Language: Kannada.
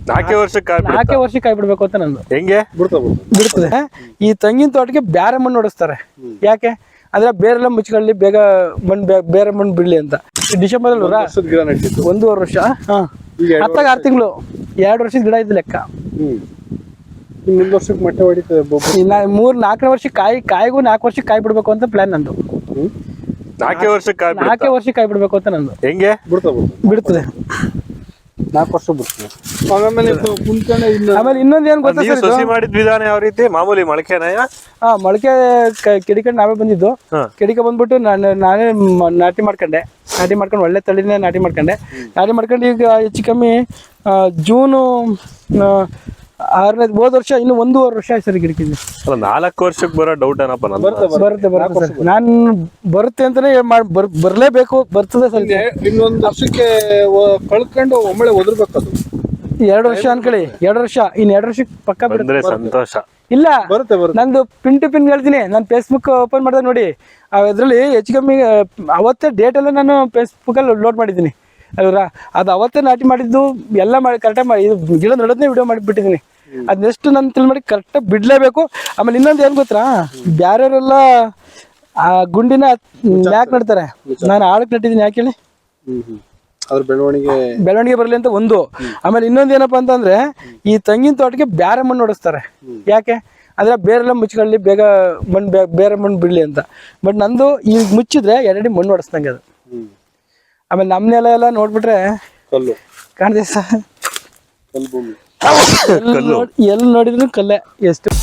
4 ವರ್ಷಕ್ಕೆ ಕಾಯಿ ಬಿಡ್ಬೇಕು ಅಂತ ನಂದು. ಹೆಂಗೆ ಬಿಡ್ತದೆ. ಈ ತೆಂಗಿನ ತೋಟಕ್ಕೆ ಬ್ಯಾರೆ ಮಣ್ಣು ಹೊಡಿಸ್ತಾರೆ. ಯಾಕೆ ಅಂದ್ರೆ ಬೇರೆಲ್ಲ ಮುಚ್ಕೊಳ್ಳಿ, ಬೇಗ ಬೇರೆ ಮಣ್ಣು ಬಿಡ್ಲಿ ಅಂತ. ಡಿಸೆಂಬರ್ ಅಲ್ಲಿ 1.5 ವರ್ಷ, ಹತ್ತಾಗ 6 ತಿಂಗಳು, 2 ವರ್ಷದ ಗಿಡ ಇದ್ದು ಲೆಕ್ಕ. 1 ವರ್ಷಕ್ಕೆ ಮೊಟ್ಟೆ ಹೊಡಿತದೆ. 4 ವರ್ಷಕ್ಕೆ ಕಾಯಿಗೂ 4 ವರ್ಷಕ್ಕೆ ಕಾಯಿ ಬಿಡ್ಬೇಕು ಅಂತ ಪ್ಲಾನ್ ನಂದು. 4 ವರ್ಷಕ್ಕೆ ಕಾಯಿ ಬಿಡ್ಬೇಕು ಅಂತ ನಂದು. ಹೆಂಗೆ ಬಿಡ್ತದೆ 4 ವರ್ಷ ಬಿಡ್ತದೆ. ಆಮೇಲೆ ಇನ್ನೊಂದು ಏನ್ ಗೊತ್ತಾ ಸರ್, ಸಸಿ ಮಾಡಿದ ವಿಧಾನ ಯಾವ ರೀತಿ? ಮಾಮೂಲಿ ಮೊಳಕೆನ? ಮೊಳಕೆ ಕೆಡಿಕೊಂಡು ನಾವೇ ಬಂದಿದ್ದು. ಕೆಡಿಕ ಬಂದ್ಬಿಟ್ಟು ನಾನೇ ನಾಟಿ ಮಾಡ್ಕೊಂಡು ಒಳ್ಳೆ ತಳಿನೇ ನಾಟಿ ಮಾಡ್ಕೊಂಡು ಈಗ ಹೆಚ್ಚು ಕಮ್ಮಿ ಜೂನು 6ನೇ ಹೋದ ವರ್ಷ ಇನ್ನು 1.5 ವರ್ಷ ಆಯ್ತು ಸರ್ ಗಿಡಕ್ಕೆ. 4 ವರ್ಷಕ್ಕೆ ಬರೋ ಡೌಟ್ ಏನಪ್ಪ? ಬರುತ್ತೆ ನಾನು ಬರುತ್ತೆ ಅಂತಾನೆ ಬರ್ಲೇಬೇಕು. ಬರ್ತದೆ ಸರ್. ಇನ್ನೊಂದು ವರ್ಷಕ್ಕೆ ಕಳ್ಕೊಂಡು ಒಮ್ಮೆ ಒದರ್ಬೇಕದು. 2 ವರ್ಷ ಅನ್ಕೊಳ್ಳಿ, 2 ವರ್ಷ, ಇನ್ನು 2 ವರ್ಷಕ್ಕೆ ಪಕ್ಕ ಬಿಡುತ್ತೆ. ಸಂತೋಷ ಇಲ್ಲ. ನಂದು ಪಿನ್ ಟು ಪಿನ್ ಹೇಳ್ತೀನಿ. ನಾನು ಫೇಸ್ಬುಕ್ ಓಪನ್ ಮಾಡಿದೆ ನೋಡಿ, ಅದ್ರಲ್ಲಿ ಹೆಚ್ಚು ಕಮ್ಮಿ ಅವತ್ತೇ ಡೇಟ್ ಎಲ್ಲ ನಾನು ಫೇಸ್ಬುಕ್ ಅಲ್ಲಿ ಲೋಡ್ ಮಾಡಿದ್ದೀನಿ ಅಲ್ವಾ. ಅದು ಅವತ್ತೇ ನಾಟಿ ಮಾಡಿದ್ದು ಎಲ್ಲ ಮಾಡಿ ಕರೆಕ್ಟಾಗಿ ಮಾಡಿ ಗಿಡ ನಡೋದನ್ನೇ ವಿಡಿಯೋ ಮಾಡಿಬಿಟ್ಟಿದ್ದೀನಿ. ಅದ್ ನೆಕ್ಸ್ಟ್ ನಾನು ತಿಳಿ ಮಾಡಿ ಕರೆಕ್ಟಾಗಿ ಬಿಡ್ಲೇಬೇಕು. ಆಮೇಲೆ ಇನ್ನೊಂದು ಏನ್ ಗೊತ್ತಾ, ಬ್ಯಾರೆಯವರೆಲ್ಲ ಆ ಗುಂಡಿನ ಯಾಕೆ ನಡ್ತಾರೆ, ನಾನು ಆಳಕ್ಕೆ ನಟ್ಟಿದ್ದೀನಿ. ಯಾಕೆ ಹೇಳಿ? ಬೆಳವಣಿಗೆ ಬರಲಿ ಅಂತ ಒಂದು. ಆಮೇಲೆ ಇನ್ನೊಂದು ಏನಪ್ಪಾ ಅಂತಂದ್ರೆ, ಈ ತೆಂಗಿನ ತೋಟಕ್ಕೆ ಬ್ಯಾರೆ ಮಣ್ಣು ಹೊಡಿಸ್ತಾರೆ. ಯಾಕೆ ಅಂದ್ರೆ ಬೇರೆಲ್ಲ ಮುಚ್ಕೊಳ್ಳಿ, ಬೇಗ ಬೇರೆ ಮಣ್ಣು ಬಿಡ್ಲಿ ಅಂತ. ಬಟ್ ನಂದು ಈಗ ಮುಚ್ಚಿದ್ರೆ 2 ಅಡಿ ಮಣ್ಣು ಹೊಡಿಸ್ದಂಗೆ ಅದು. ಆಮೇಲೆ ನಮ್ಮ ನೆಲ ಎಲ್ಲ ನೋಡ್ಬಿಟ್ರೆ ಕಾಣ್ತದೆ ಸರ್, ಎಲ್ಲಿ ನೋಡಿದ್ರು ಕಲ್ಲೇ. ಎಷ್ಟು